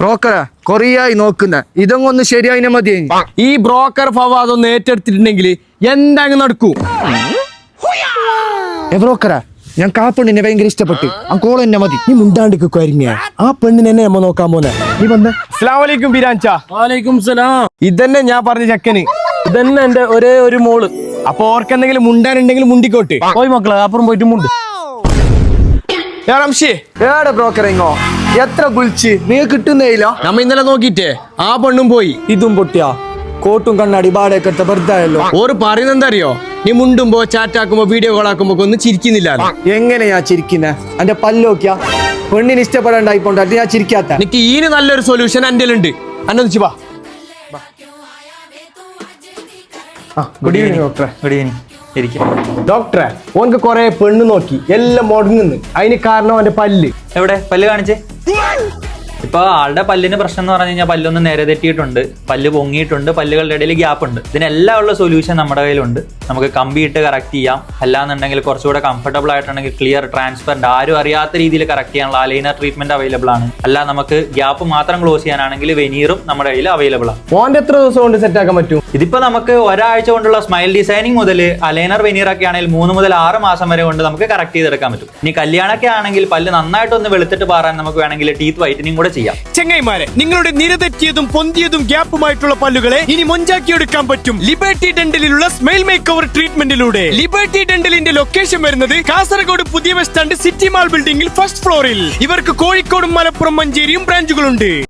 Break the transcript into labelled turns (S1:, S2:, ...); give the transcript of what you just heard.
S1: ബ്രോക്കറാ കൊറിയായി നോക്കുന്ന ഇതൊന്നും ഒന്ന് ശരിയായി മതി.
S2: ഈ ബ്രോക്കർ ഫവാദ് ഒന്ന് ഏറ്റെടുത്തിട്ടുണ്ടെങ്കിൽ എന്താങ്ങ് നടക്കൂ.
S1: ബ്രോക്കറാ ഞാൻ ആ പെണ്ണിനെ ഭയങ്കര ഇഷ്ടപ്പെട്ടു. ആ കോൾ എന്നെ മതി.
S2: നീ മുണ്ടാണ്ടിക്ക് കരിഞ്ഞ ആ പെണ്ണിനെ എന്നെ അമ്മ നോക്കാൻ പോന്നെ. നീ വന്ന്. അസ്സലാമലൈക്കും ബിരാൻച.
S3: വാലൈക്കും സലാം.
S2: ഇതന്നെ ഞാൻ പറഞ്ഞ ചെക്കന്.
S3: ഇതന്നെ എന്റെ ഒരേ ഒരു മോള്.
S2: അപ്പൊ ഓർക്കെന്തെങ്കിലും മുണ്ടാനുണ്ടെങ്കിൽ മുണ്ടിക്കോട്ടെ.
S3: പോയി മക്കളെ അപ്പുറം പോയിട്ട് മുണ്ട്.
S1: ഏടെ ബ്രോക്കർ ഇങ്ങോ എത്ര വിളിച്ച് നീ കിട്ടുന്നേയില്ല.
S2: നമ്മ ഇന്നലെ നോക്കിട്ടേ ആ പെണ്ണും പോയി.
S3: ഇതും പൊട്ടിയാ കോട്ടും കണ്ണാടി ബാടൊക്കെ എടുത്ത വെറുതായല്ലോ.
S2: ഓറ് പറയുന്നത് എന്താ അറിയോ? നീ മുണ്ടുമ്പോ ചാറ്റാക്കുമ്പോ വീഡിയോ കോൾ ആക്കുമ്പോ ഒന്നും ചിരിക്കുന്നില്ല.
S1: എങ്ങനെയാ ചിരിക്കുന്ന? എന്റെ പല്ലോക്കിയാ പെണ്ണിന് ഇഷ്ടപ്പെടാണ്ടായിപ്പോണ്ട് അത് ഞാൻ ചിരിക്കാത്ത.
S2: എനിക്ക് ഈന് നല്ലൊരു സൊല്യൂഷൻ എന്റെ ഉണ്ട്. അന്നൊന്നിച്ച് വാ.
S1: ഗുഡ് ഈവനിങ് ഡോക്ടറെ.
S4: Good evening.
S2: ഡോക്ടറെ ഓനക്ക് കൊറേ പെണ്ണ് നോക്കി എല്ലാം മുടങ്ങുന്നു. അതിന് കാരണം അവന്റെ പല്ല്.
S4: എവിടെ പല്ല് കാണിച്ചേ? ഇപ്പൊ ആളുടെ പല്ലിന് പ്രശ്നം എന്ന് പറഞ്ഞു കഴിഞ്ഞാൽ പല്ലൊന്ന് നേരെ തെറ്റിയിട്ടുണ്ട്, പല്ല് പൊങ്ങിയിട്ടുണ്ട്, പല്ലുകളുടെ ഇടയിൽ ഗ്യാപ്പ് ഉണ്ട്. ഇതിനെല്ലാം ഉള്ള സൊല്യൂഷൻ നമ്മുടെ കയ്യിലുണ്ട്. നമുക്ക് കമ്പി ഇട്ട് കറക്റ്റ് ചെയ്യാം. അല്ലാന്നുണ്ടെങ്കിൽ കുറച്ചുകൂടെ കംഫർട്ടബിൾ ആയിട്ടുണ്ടെങ്കിൽ ക്ലിയർ ട്രാൻസ്പെറന്റ് ആരും അറിയാത്ത രീതിയിൽ കറക്റ്റ് ചെയ്യാനുള്ള അലൈനർ ട്രീറ്റ്മെന്റ് അവൈലബിൾ ആണ്. അല്ല നമുക്ക് ഗ്യാപ്പ് മാത്രം ക്ലോസ് ചെയ്യാനാണെങ്കിൽ വെനീറും നമ്മുടെ കയ്യിൽ അവൈലബിൾ ആണ്.
S2: ഓന്റെ എത്ര ദിവസം കൊണ്ട് സെറ്റ് ആക്കാൻ പറ്റും?
S4: ഇതിപ്പോ നമുക്ക് ഒരാഴ്ച കൊണ്ടുള്ള സ്മൈൽ ഡിസൈനിങ് മുതൽ അലൈനർ വെനീർ ഒക്കെ ആണെങ്കിൽ 3 മുതൽ 6 മാസം വരെ കൊണ്ട് നമുക്ക് കറക്റ്റ് ചെയ്തെടുക്കാൻ പറ്റും. ഇനി കല്യാണമൊക്കെ ആണെങ്കിൽ പല്ല് നന്നായിട്ടൊന്ന് വെളുത്തിട്ട് പാറാൻ നമുക്ക് വേണമെങ്കിൽ ടീത്ത് വൈറ്റനിങ് കൂടെ ചെയ്യാം.
S2: ചെങ്ങൈമാരെ, നിങ്ങളുടെ നിരതെറ്റിയതും പൊന്തിയതും ഗ്യാപ്പുമായിട്ടുള്ള പല്ലുകളെ ഇനി മൊഞ്ചാക്കിയെടുക്കാൻ പറ്റും ലിബർട്ടി ഡെന്റലിലുള്ള സ്മൈൽ മേക്ക് ഓവർ ട്രീറ്റ്മെന്റിലൂടെ. ലിബർട്ടി ഡെന്റലിന്റെ ലൊക്കേഷൻ വരുന്നത് കാസർഗോഡ് പുതിയ ബസ് സ്റ്റാൻഡ് സിറ്റി മാൾ ബിൽഡിംഗിൽ ഫസ്റ്റ് ഫ്ലോറിൽ. ഇവർക്ക് കോഴിക്കോടും മലപ്പുറം മഞ്ചേരിയും ബ്രാഞ്ചുകളുണ്ട്.